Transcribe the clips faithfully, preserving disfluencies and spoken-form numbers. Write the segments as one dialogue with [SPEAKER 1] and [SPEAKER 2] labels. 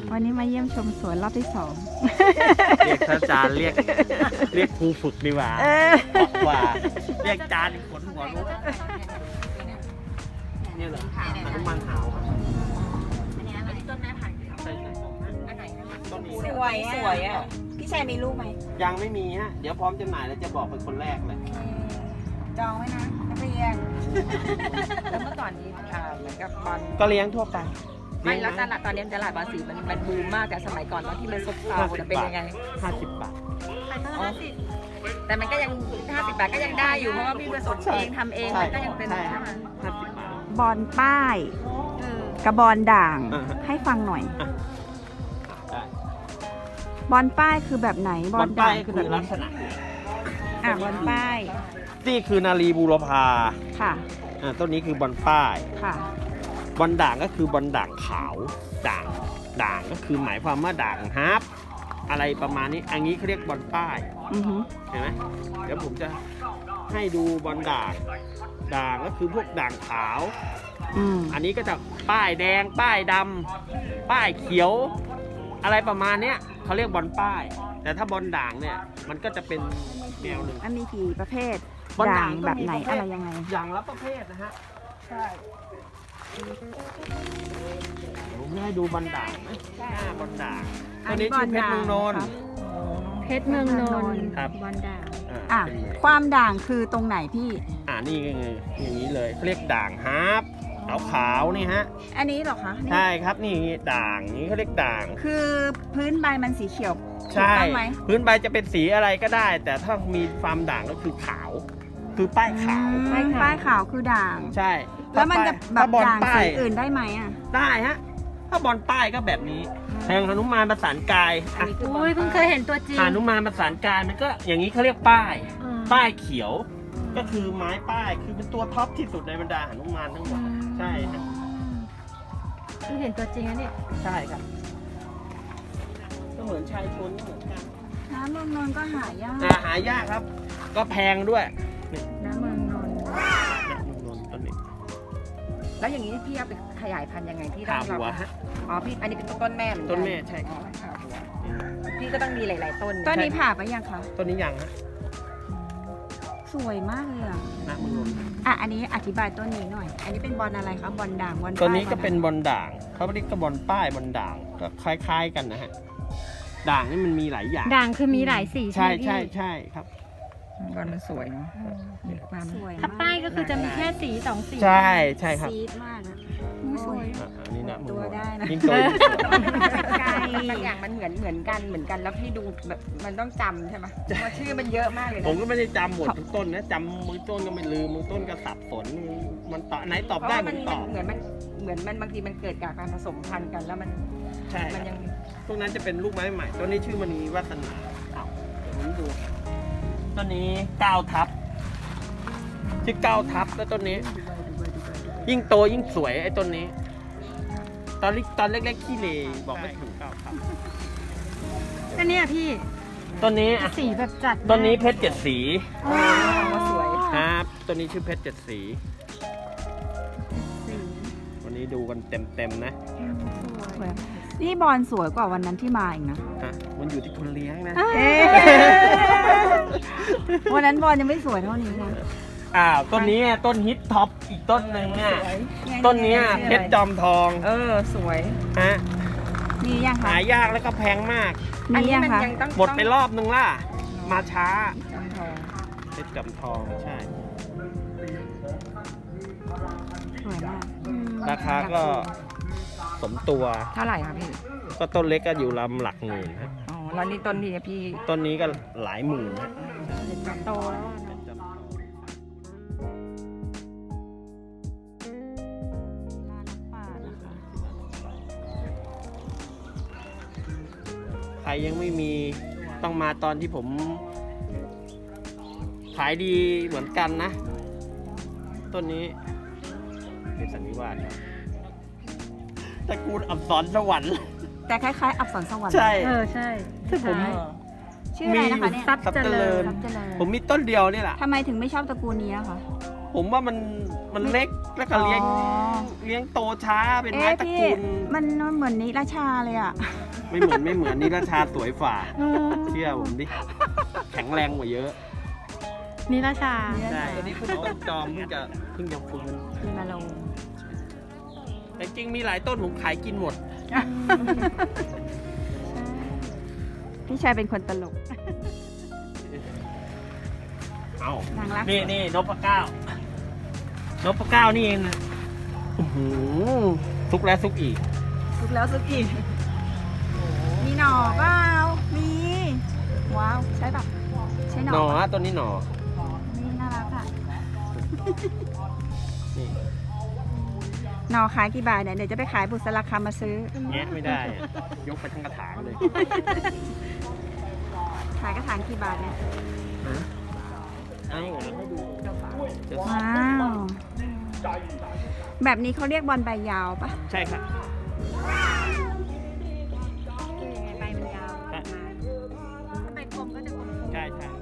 [SPEAKER 1] วันนี้มาเยี่ยมชมสวนรอบที่สอง
[SPEAKER 2] เรียกอาจารย์เรียกเรียกครูฝึกดีกว่า
[SPEAKER 1] เออ
[SPEAKER 2] กว่าเรียกอาจารย์ขนหัวลุกเนี่ยเหรออนุมันหาวต้นแม่ผ่านใช่ใช่ต้นนี้
[SPEAKER 1] สวยสวยอ่ะพี่ชายมีลูกไหม
[SPEAKER 2] ยังไม่มีฮะเดี๋ยวพร้อมจำหน่ายแล้วจะบอกเป็นคนแรกเลย
[SPEAKER 1] จองไว้นะนักเรียน
[SPEAKER 3] แล้วเมื่อก่อนนี้อ่าเหมือนกับบอล
[SPEAKER 2] ก็เลี้ยงทั่วไป
[SPEAKER 3] ไม่แล้วตลาดตอนนี้ตลาดบอลสีมันมันบูมมากแต่สมัยก่อนตอนที่มันซบเซาจะเป็นยังไง
[SPEAKER 2] ห้าสิบบาท
[SPEAKER 3] อ๋อแต่มันก็ยังห้าสิบบาทก็ยังได้อยู่เพราะว่าพี่ผสมเองทำเองมันก็ยังเป็น
[SPEAKER 2] ใช่
[SPEAKER 3] ใช่ไหม
[SPEAKER 2] ห้าสิบบาท
[SPEAKER 1] บอลป้าย
[SPEAKER 3] เออ
[SPEAKER 1] กับบอลด่าง
[SPEAKER 2] อ่าฮะ
[SPEAKER 1] ให้ฟังหน่อย
[SPEAKER 2] ได้
[SPEAKER 1] บอลป้ายคือแบบไหน
[SPEAKER 2] บบ อ
[SPEAKER 1] อ
[SPEAKER 2] ล
[SPEAKER 1] ล
[SPEAKER 2] ป้า
[SPEAKER 1] ด่าย ง
[SPEAKER 2] คื
[SPEAKER 1] คือแบบ
[SPEAKER 2] อลั
[SPEAKER 1] นี้
[SPEAKER 2] กษณะ
[SPEAKER 1] อ่ะบอลป้าย
[SPEAKER 2] นี่คือนารีบูรพา
[SPEAKER 1] ค่ะ
[SPEAKER 2] อ่าต้นนี้คือบอลป้าย
[SPEAKER 1] ค่ะ
[SPEAKER 2] บอลด่างก็คือบอลด่างขาวด่างด่างก็คือหมายความว่าด่างฮาร์ปอะไรประมาณนี้อันนี้เขาเรียกบอลป้าย
[SPEAKER 1] อือฮึ
[SPEAKER 2] เห็นไหมเดี๋ยวผมจะให้ดูบอลด่างด่างก็คือพวกด่างขาว
[SPEAKER 1] อืม
[SPEAKER 2] อันนี้ก็จะป้ายแดงป้ายดำป้ายเขียว อะไรประมาณเนี้ยเขาเรียกบอลป้าย แต่ถ้าบอลด่างเนี่ยมันก็จะเป็นแนวหนึ่ง
[SPEAKER 1] อันมีกี่ประเภท
[SPEAKER 2] บอล
[SPEAKER 1] ด่า
[SPEAKER 2] ด่าง งก็
[SPEAKER 1] แบบ
[SPEAKER 2] มี
[SPEAKER 1] ไหน
[SPEAKER 2] ประเภท
[SPEAKER 1] อะไรยังไง
[SPEAKER 2] อย่างละประเภทนะฮะใช่ผมจะให้ดูบอลด่างนะหน้าบอลด่างตัวนี้ชื่อเพชรเมืองนนท์
[SPEAKER 1] เพชรเมืองนนท์
[SPEAKER 2] ครับ
[SPEAKER 1] บอลด่าง
[SPEAKER 2] อ่า
[SPEAKER 1] อ่ะ
[SPEAKER 2] เป็นไง
[SPEAKER 1] ความด่างคือตรงไหนพี่
[SPEAKER 2] อ่านี่ไงอย่างนี้เลยเขาเรียกด่างฮาร์ปขาวขาวๆนี่ฮะ
[SPEAKER 1] อันนี้เหรอคะนี่
[SPEAKER 2] ใช่ครับนี่ด่างนี้เขาเรียกด่าง
[SPEAKER 1] คือพื้นใบมันสีเขียวถูก
[SPEAKER 2] ใช่
[SPEAKER 1] ต้องไหม
[SPEAKER 2] พื้นใบจะเป็นสีอะไรก็ได้ แต่ถ้ามีความด่างก็คือขาว คือป้ายขาว
[SPEAKER 1] อืมป้ายขาวคือด่าง
[SPEAKER 2] ใช่
[SPEAKER 1] แล้วมันจะแบ
[SPEAKER 2] ถ้า
[SPEAKER 1] บ
[SPEAKER 2] อล
[SPEAKER 1] ด่าง
[SPEAKER 2] ป้า
[SPEAKER 1] สี
[SPEAKER 2] ย
[SPEAKER 1] อื่นได้ไหมอ่ะ
[SPEAKER 2] ได้ฮะถ้าบอลป้ายก็แบบนี้แทงหนุมานประสานกาย
[SPEAKER 3] อัน
[SPEAKER 2] อ่ะ
[SPEAKER 3] นี้คือบอ
[SPEAKER 4] อุ้
[SPEAKER 3] ล
[SPEAKER 4] ยเพิ่งเคยเห็นตัวจริง
[SPEAKER 2] หนุมานประสานกายมันก็อย่างนี้เขาเรียกป้าย
[SPEAKER 4] อืม
[SPEAKER 2] ป้ายเขียว ก็คือไม้ป้ายคือเป็นตัวท็อปที่สุดในบรรดาหนุมานทั้งหมดใช่ฮะ
[SPEAKER 4] เพิ่งเห็นตัวจริงนะเนี่ย
[SPEAKER 2] ใช่ครับก็เหมือนชายชนก็เหมือนกัน
[SPEAKER 1] น้ำเมืองนนท์ก็หายาก
[SPEAKER 2] อ่าหายากครับ ก็แพงด้วยนี่
[SPEAKER 1] น้ำเมืองนนท์
[SPEAKER 2] เนี่ยเมืองนนท์ต้นนี้
[SPEAKER 3] แล้วอย่างนี้พี่เอาไปขยายพันธุ์ยังไงที่ต้
[SPEAKER 2] ขา
[SPEAKER 3] อง
[SPEAKER 2] หัว
[SPEAKER 3] เรา
[SPEAKER 2] ฮะ
[SPEAKER 3] อ๋อพี่อันนี้เป็นต้นแม่เหมือนกัน
[SPEAKER 2] ต้นแม่ใช่
[SPEAKER 3] อ๋อขาหัวพี่ก็ต้องมีหลาย ๆ ต้น
[SPEAKER 1] ต้นนี้ผ่าไปยังคะ
[SPEAKER 2] ต้นนี้ยังฮะ
[SPEAKER 1] สวยมากเลยอ่ะ
[SPEAKER 2] นะเมืองนนท์
[SPEAKER 1] อ่ะอันนี้อธิบายต้นนี้หน่อย อันนี้เป็นบอลอะไรคะบอลด่างบอล
[SPEAKER 2] ตัวนี้ก็
[SPEAKER 1] ป้าย
[SPEAKER 2] เป็นบอลด่างเขาเรียกก็บอลป้ายบอลด่างก็คล้ายๆกันนะฮะด่างนี่มันมีหลายอย่าง
[SPEAKER 4] ด่างคือมีหลายสี
[SPEAKER 2] ใช่
[SPEAKER 4] ไหมพี่
[SPEAKER 2] ใช่ใช่ครับ
[SPEAKER 3] บอลมันสวยเนาะมีความ
[SPEAKER 1] สวย
[SPEAKER 4] ถ้าป้ายก็คือจะมีแค่สีสองสี
[SPEAKER 2] ใช่ใช่ครับ
[SPEAKER 1] ซีดมากอะ
[SPEAKER 4] อุ๊ยสวย
[SPEAKER 2] อ่ะอันนี้นะเมือง
[SPEAKER 1] ตัวน
[SPEAKER 2] ท์
[SPEAKER 1] ได้นะ
[SPEAKER 2] ยิ่งโตยิ่งสวย
[SPEAKER 1] ไกล
[SPEAKER 3] บางอย่างมันเหมือนเหมือนกันเหมือนกันแล้วพี่ดูแบบมันต้องจำใช่ไหมเพราะว่าชื่อมันเยอะมากเลยนะ
[SPEAKER 2] ผมก็ไม่ได้จำหมดทุกต้นนะจำมือต้นก็ไม่ลืมมือต้นก็สับสนมันตอบไหนตอบ
[SPEAKER 3] เพราะ
[SPEAKER 2] ได้
[SPEAKER 3] ว่า
[SPEAKER 2] ผ
[SPEAKER 3] มัน
[SPEAKER 2] มตอบ
[SPEAKER 3] เหมือนมันเหมือนมันบางทีมันเกิดจากการผสมพันธุ์กันแล้วมัน
[SPEAKER 2] ใช่
[SPEAKER 3] มันยัง
[SPEAKER 2] พวกนั้นจะเป็นลูกไม้ใหม่ต้นนี้ชื่อมณีวัฒนาเอาเดี๋ยวผมดูต้นนี้เก้าทับชื่อเก้าทับแล้วต้นนี้ ยิ่งโตยิ่งสวยไอ้ต้นนี้ ตอนเล็กตอนเล็กๆขี้เลบอกไม่ถูกเก้าทับ
[SPEAKER 4] อันเนี้ยพี่
[SPEAKER 2] ต้นนี้อ่ะ
[SPEAKER 4] สีแบบจัด
[SPEAKER 2] ต้นนี้เพชรเจ็ดสี
[SPEAKER 4] อ๋อ
[SPEAKER 3] ว่าสวย
[SPEAKER 2] ครับต้นนี้ชื่อเพชรเจ็ดสี
[SPEAKER 1] สี
[SPEAKER 2] วันนี้ดูกันเต็มๆนะ
[SPEAKER 1] สวยนี่บอลสวยกว่าวันนั้นที่มาอีกนะ
[SPEAKER 2] ฮะมันอยู่ที่คนเลี้ยงนะ
[SPEAKER 1] เอ๊ะวันนั้นบอลยังไม่สวยเท่านี้นะ
[SPEAKER 2] อ้าวต้นนี้ต้นฮิตท็อปอีกต้นหนึ่งเนี่ยต้นเนี้ยเพชรจอมทอง
[SPEAKER 3] เออสวย
[SPEAKER 2] ฮะ
[SPEAKER 1] มียังคะ
[SPEAKER 2] หายากแล้วก็แพงมาก
[SPEAKER 3] อัน
[SPEAKER 1] มี
[SPEAKER 3] นี้
[SPEAKER 1] ยัง
[SPEAKER 3] มัน
[SPEAKER 1] คะ
[SPEAKER 3] ยังต้อง
[SPEAKER 2] หมดไปรอบนึงล่ะ มาช้า
[SPEAKER 3] จำทอง
[SPEAKER 2] เพชรจอมทองใช่
[SPEAKER 1] สวยมาก
[SPEAKER 2] ราคาก็สมตัว
[SPEAKER 3] เท่าไหร่คะพี่
[SPEAKER 2] ก็ต้นเล็กก็อยู่ลำหลักหมื่นฮะ
[SPEAKER 3] อ๋อแล้วนี่ต้นนี้พี่
[SPEAKER 2] ต้นนี้ก็หลายหมื่นฮะ
[SPEAKER 4] โตแล้วอะ
[SPEAKER 2] เพชรจอมทองใครยังไม่มีต้องมาตอนที่ผมขายดีเหมือนกันนะ ต้นนี้เป็นสันนิวาสครับตระกูลอับสรสวรรค์
[SPEAKER 1] แต่คล้ายๆ อับสรสวรรค์
[SPEAKER 2] ใช่
[SPEAKER 4] เออใช่
[SPEAKER 2] ที่ผม
[SPEAKER 4] ใช่
[SPEAKER 1] ชื่ออะไรนะคะเนี่ย
[SPEAKER 4] ทรัพย์เจริญ
[SPEAKER 1] ทรัพย์เจริญ
[SPEAKER 2] ผมมีต้นเดียวนี่แหละ
[SPEAKER 1] ทำไมถึงไม่ชอบตระกูลนี้อะคะ
[SPEAKER 2] ผมว่ามันมันเล็กแล้วก็เลี้ยง
[SPEAKER 1] อ๋อ
[SPEAKER 2] เลี้ยงโตช้าเป็นไม้
[SPEAKER 1] เอ๊ะ
[SPEAKER 2] ตระ
[SPEAKER 1] พี่
[SPEAKER 2] กูล
[SPEAKER 1] มันเหมือนนิราชาเลยอ่ะ
[SPEAKER 2] ไม่เหมือนไม่เหมือนนี่ราชาสวยฝ่าเชื่อผมดิแข็งแรงกว่าเยอะ
[SPEAKER 4] นี่ราชา
[SPEAKER 2] ใช่ตัวนี้คุณต้นจอมเพิ่งจะเพิ่งจะฟื้น
[SPEAKER 1] มีมาลง
[SPEAKER 2] แต่จริงมีหลายต้นผมขายกินหมด
[SPEAKER 1] พี่ชายเป็นคนตลก
[SPEAKER 2] เอา
[SPEAKER 1] นางรัก
[SPEAKER 2] นี่นี่นพเก้านพเก้านี่เองนะอื้อหือซุกแล้วซุกอีก
[SPEAKER 1] สุกแล้วสุกอีก มีหน่อเปล่ามี ว้าว ใช่ปะใช่หน่
[SPEAKER 2] หน่
[SPEAKER 1] อ
[SPEAKER 2] อฮะต้นนี้หน่อ
[SPEAKER 1] นี่น่ารักอ่ะ
[SPEAKER 2] นี่
[SPEAKER 1] หน่อขายกี่บาทเนี่ยเดี๋ยวจะไปขายบุษราคำมาซื้อ
[SPEAKER 2] แงะไม่ได้อะยกไปทั้งกระถางเลย
[SPEAKER 1] ขายกระถางกี่บาทเนี่ย
[SPEAKER 2] เอาให้ดู
[SPEAKER 1] ว้าว แบบนี้เขาเรียกบอลใบยาวปะ
[SPEAKER 2] ใช่ครับ
[SPEAKER 1] ใบมันยาว
[SPEAKER 2] อ่ะ
[SPEAKER 1] ใบกลมก็จะกลม
[SPEAKER 2] ใช่ใช่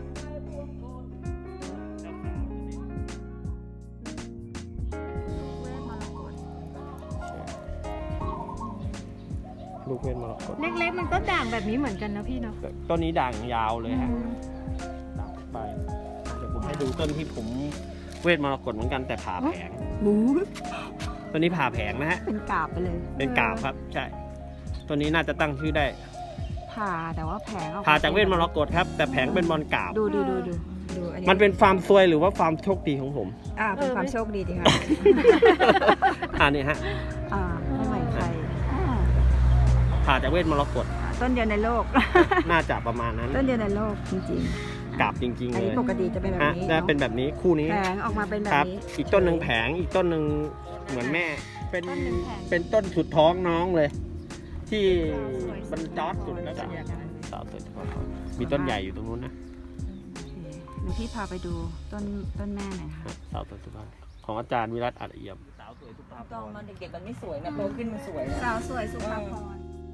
[SPEAKER 2] ลูกเว้นมรกต
[SPEAKER 4] เล็กๆ มันก็ด่างแบบนี้เหมือนกันนะพี่เนาะ
[SPEAKER 2] ต้นนี้ด่างยาวเลยฮะด่างไปเดี๋ยวผมให้ดูต้นที่ผมเวทมรกตเหมือนกันแต่ผ่าแผง
[SPEAKER 1] หมู
[SPEAKER 2] ต้นนี้ผ่าแผงนะฮะ
[SPEAKER 1] เป็นกาบไปเลย
[SPEAKER 2] เป็นกาบครับ ใช่ต้นนี้น่าจะตั้งชื่อได้
[SPEAKER 1] ผ่าแต่ว่าแผงออก
[SPEAKER 2] ผ่าจากเวทมรกตครับ แต่แผงเป็นบอลกาบ
[SPEAKER 1] ดูดูดูดูดูอันนี้
[SPEAKER 2] มันเป็นฟาร์มซวยหรือว่าฟาร์มโชคดีของผม
[SPEAKER 1] อ่าเป็นความโชคดีดีค่ะ
[SPEAKER 2] อ่านี่ฮะ
[SPEAKER 1] อ่าไม่เหมือนใครอ่า
[SPEAKER 2] ผ่าจากเวทมรกต
[SPEAKER 1] ต้นเดียวในโลก
[SPEAKER 2] น่าจะประมาณนั้น
[SPEAKER 1] ต้นเดียวในโลกจริง
[SPEAKER 2] กาบจริง
[SPEAKER 1] ๆ
[SPEAKER 2] ๆ
[SPEAKER 1] อัน
[SPEAKER 2] เล
[SPEAKER 1] นี้
[SPEAKER 2] ย
[SPEAKER 1] ปกติจะเป็นแบบ
[SPEAKER 2] ฮะ
[SPEAKER 1] นี้
[SPEAKER 2] ได้เป็นแบบนี้คู่นี้
[SPEAKER 1] แผงออกมาเป็นแบบ
[SPEAKER 2] ครับ
[SPEAKER 1] นี้
[SPEAKER 2] อีกต้นหนึ่งแผงอีกต้นหนึ่งเหมือนแม่ เป็น
[SPEAKER 1] ต้นหนึ่งแผง
[SPEAKER 2] เป็นต้นสุดท้องน้องเลย ที่มันจอดสุดแล้วจ้ะสาวสวยทุกคนมีต้นใหญ่อยู่ตรงนู้นนะ
[SPEAKER 1] เดี๋ยวพี่พาไปดูต้นต้นแม่หน่อยค่ะ
[SPEAKER 2] สาวสวยทุกคนของอาจารย์วิรัตอัดเอี่ยมสาวสวยทุกภาพ
[SPEAKER 3] ตอนมันเด็กๆมันไม่สวยนะโตขึ้นมันสวยนะ
[SPEAKER 1] สาวสวยสุภาพร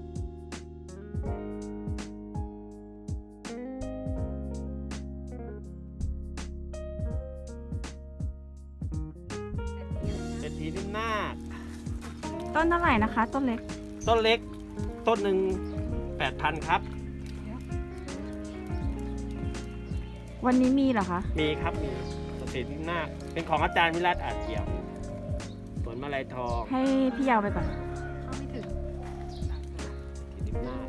[SPEAKER 2] เศรษฐีนิ่มนาค
[SPEAKER 1] ต้นเท่าไหร่นะคะ ต้นเล็ก
[SPEAKER 2] ต้นเล็ก ต้นหนึ่งแปดพันครับ
[SPEAKER 1] วันนี้มีเหรอคะ
[SPEAKER 2] มีครับมีเศรษฐีนิ่มนาคเป็นของอาจารย์วิรัตอัดเอี่ยมสวนมาลัยทอง
[SPEAKER 1] ให้พี่ยาวไปก่อน
[SPEAKER 4] เข้าไม่ถึง
[SPEAKER 2] เศรษฐีนิ่มนาค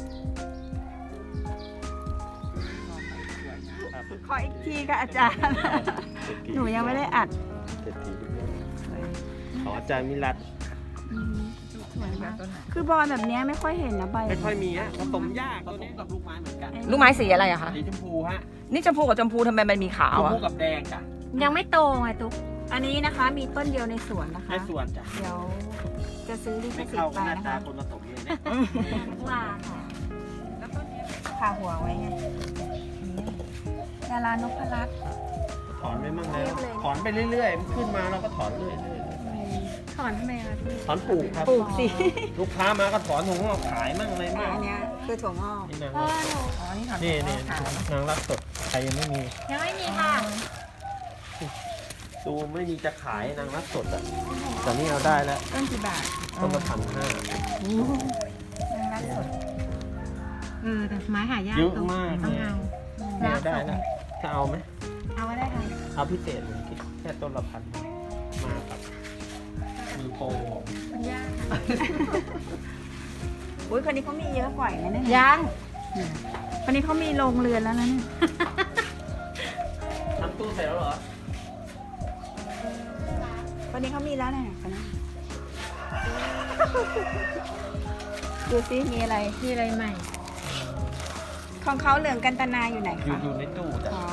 [SPEAKER 2] ครับ
[SPEAKER 1] ขออีกทีค่ะอาจารย์
[SPEAKER 2] เศรษฐี
[SPEAKER 1] หนูยังไม่ได้อัด
[SPEAKER 2] เศรษฐีนิ่มนาคของอาจารย์วิรัต
[SPEAKER 1] อืมสวยมาก คือบอลแบบเนี้ยไม่ค่อยเห็นนะใบ
[SPEAKER 2] ไม่ค่อยมีฮะผสมยากตัวนี้กับลูกไม้เหมือนกัน
[SPEAKER 3] ลูกไม้สีอะไรอะคะ
[SPEAKER 2] สีชมพูฮะ
[SPEAKER 3] นี่ชมพูกับชมพูทำไมมันมีขา
[SPEAKER 2] ช
[SPEAKER 3] ว
[SPEAKER 2] ม
[SPEAKER 3] อะ
[SPEAKER 2] พูกับแดงจ้ะ
[SPEAKER 4] ยังไม่โตไงตุ๊ก
[SPEAKER 1] อันนี้นะคะมีต้นเดียวในสวนนะคะ
[SPEAKER 2] ในสวนจ้ะ
[SPEAKER 1] เดี๋ยวจะซื้อลิข
[SPEAKER 2] ไม่
[SPEAKER 1] สิท
[SPEAKER 2] เข้า
[SPEAKER 1] ธิ์ไป
[SPEAKER 2] หน้า
[SPEAKER 1] นะ
[SPEAKER 2] ตา
[SPEAKER 1] คะ
[SPEAKER 2] คนผสมเลยเนี่ย
[SPEAKER 1] ว่าค่ะแล้วต้นนี้พาหัวไว้ไงนี่ดารานพรัตน์
[SPEAKER 2] ถอนไปมั่งเลย
[SPEAKER 1] เรียบเลย
[SPEAKER 2] ถอนไปเรื่อยๆมันขึ้นมาเราก็ถอนเรื่อย
[SPEAKER 4] ถอนทำไมคะพี่
[SPEAKER 2] ๆถอนปลูกครับ
[SPEAKER 1] ปลูกสิ
[SPEAKER 2] ลูกค้ามาก็ถอนถุงเราขายมั่งอะไร
[SPEAKER 1] แต่
[SPEAKER 2] มั่ง
[SPEAKER 1] อันเนี้ยคือถั่วงอก
[SPEAKER 2] นี่นาง
[SPEAKER 4] พ่อ
[SPEAKER 2] รัก
[SPEAKER 4] หนู
[SPEAKER 3] อ๋อ นี่ถอน
[SPEAKER 2] นี่นี่
[SPEAKER 3] ขาว
[SPEAKER 2] นางรักสดใครยังไม่มี
[SPEAKER 4] ยังไม่มีค่ะ
[SPEAKER 2] ดูไม่มีจะขายนางรักสดอ่ะแต่นี่เอาได้แล้ว
[SPEAKER 1] ต้นกี่บาท
[SPEAKER 2] ต้นละพันห้า
[SPEAKER 1] นางรักสด
[SPEAKER 4] เออแต่ไม้หายาก
[SPEAKER 2] เยอะ
[SPEAKER 4] ตุ๊ก
[SPEAKER 2] มาก
[SPEAKER 4] ต้อง
[SPEAKER 2] เนี่ย
[SPEAKER 4] เอา
[SPEAKER 2] เนี่ยเอาได้แล้วจะเอาไหม
[SPEAKER 4] เอาไว้ได้ค่ะ
[SPEAKER 2] เอาพิเศษผมคิดแค่ต้นละพันมาครับมีโปร
[SPEAKER 4] มันยาก
[SPEAKER 1] อุ้ยคนนี้เขามีเยอะกว่าอีกนะเนี่ย
[SPEAKER 3] ยัง
[SPEAKER 1] คนนี้เขามีโรงเรือนแล้วนะเนี่ย
[SPEAKER 2] ทำตู้เสร็จแล้วเหรอ
[SPEAKER 1] คนนี้เขามีแล้วเนี่ยคนนั้นดูซิมีอะไร
[SPEAKER 4] มีอะไรใหม่
[SPEAKER 1] ของเขาเหลืองกันตนาอยู่ไหน
[SPEAKER 2] อยู่
[SPEAKER 1] คะ
[SPEAKER 2] อยู่ในตู้จ้ะ
[SPEAKER 1] อ๋อ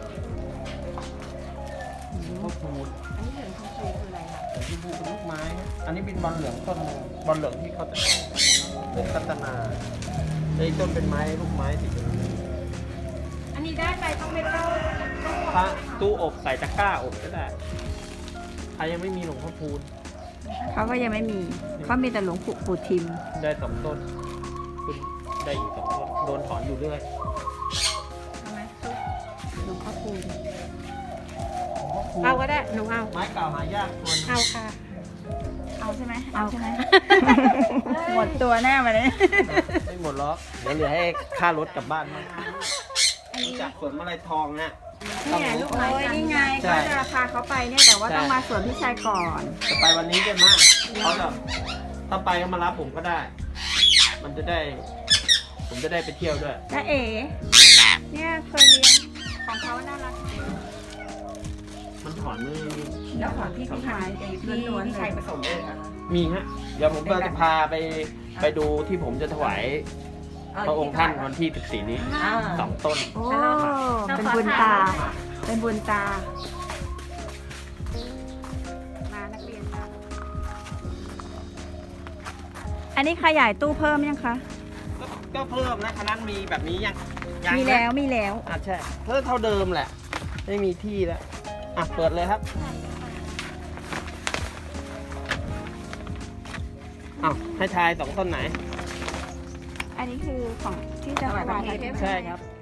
[SPEAKER 2] ข้าวพูด
[SPEAKER 1] อันนี้เหลืองของคืออะไรคะ
[SPEAKER 2] แต่ที่พูเป็นลูกไม้นะอันนี้เป็นบอลเหลืองต้นบอลเหลืองที่เขาจะเป็นกัตนาไอ้ต้นเป็นไม้ลูกไม้สีเหลือง
[SPEAKER 4] อันนี้ได้ไปต้องไปเข้า
[SPEAKER 2] พระตู้อบใส่ตะกร้าอบก็ได้ใครยังไม่มีหลวงพ่อพูน
[SPEAKER 1] เขาก็ยังไม่มีเขามีแต่หลวงปู่ปู่ทิม
[SPEAKER 2] ได้สองต้นขึ้นได้อีกสองต้นโดนถอนอยู่เรื่อย
[SPEAKER 1] ใช่ไหมหลวงพ่อคูณ
[SPEAKER 2] หลวงพ่อพู
[SPEAKER 4] เอาก็ได้ หนูเอา
[SPEAKER 2] ไม้เก่าหายากตัวนึง
[SPEAKER 4] เอาค่ะ
[SPEAKER 1] เอาใช่ไหมเอาใช่ไหม หมดตัวแน่มาเนี่ย
[SPEAKER 2] ไม่หมดหรอกเดี๋ยวเหลือให้ค่ารถกลับบ้านมั้งรู้จากสวนมะไรทองเนี่ยต้อง
[SPEAKER 4] เนี่ย
[SPEAKER 2] รู้
[SPEAKER 4] ลูก
[SPEAKER 1] โอ้ยนี่ไง
[SPEAKER 2] ใช่
[SPEAKER 1] ก็จะพาเขาไปเนี่ยแต่ว่า
[SPEAKER 2] ใช่
[SPEAKER 1] ต้องมาสวนพี่ชายก่อน
[SPEAKER 2] จะไปวันนี้ได้ไหมเขาจะถ้าไปก็มารับผมก็ได้ มันจะได้ ผมจะได้ไปเที่ยวด้วย
[SPEAKER 1] น้าเอ๋เนี่ยเคยเลี้ยงของเขาน่ารัก
[SPEAKER 2] มันถอนมือ
[SPEAKER 3] แล้วของที่พี่ชายเองที่พี่ชายผสมเองอะ
[SPEAKER 2] มีฮะ เดี๋ยวผมก็จะพาไปไปดูที่ผมจะถวายพระองค์ท่านวันที่สิบสี่นี้
[SPEAKER 3] อ่า
[SPEAKER 2] สองต้น
[SPEAKER 1] โอ้เป็นบุญตา เป็นบุญตา มานักเรียนมาอันนี้ขยายตู้เพิ่มยังคะ
[SPEAKER 2] ก็ก็เพิ่มนะคณะมีแบบนี้ยังยัง
[SPEAKER 1] มี
[SPEAKER 2] นะ
[SPEAKER 1] แล้วมีแล้ว
[SPEAKER 2] อ่ะใช่เท่าเท่าเดิมแหละ ไม่มีที่แล้ว อ่ะ เปิดเลยครับอ้าวให้ทายสองต้นไหน
[SPEAKER 1] อันนี้คือของที่จะถวายพระเพชร
[SPEAKER 2] ใช่ครับ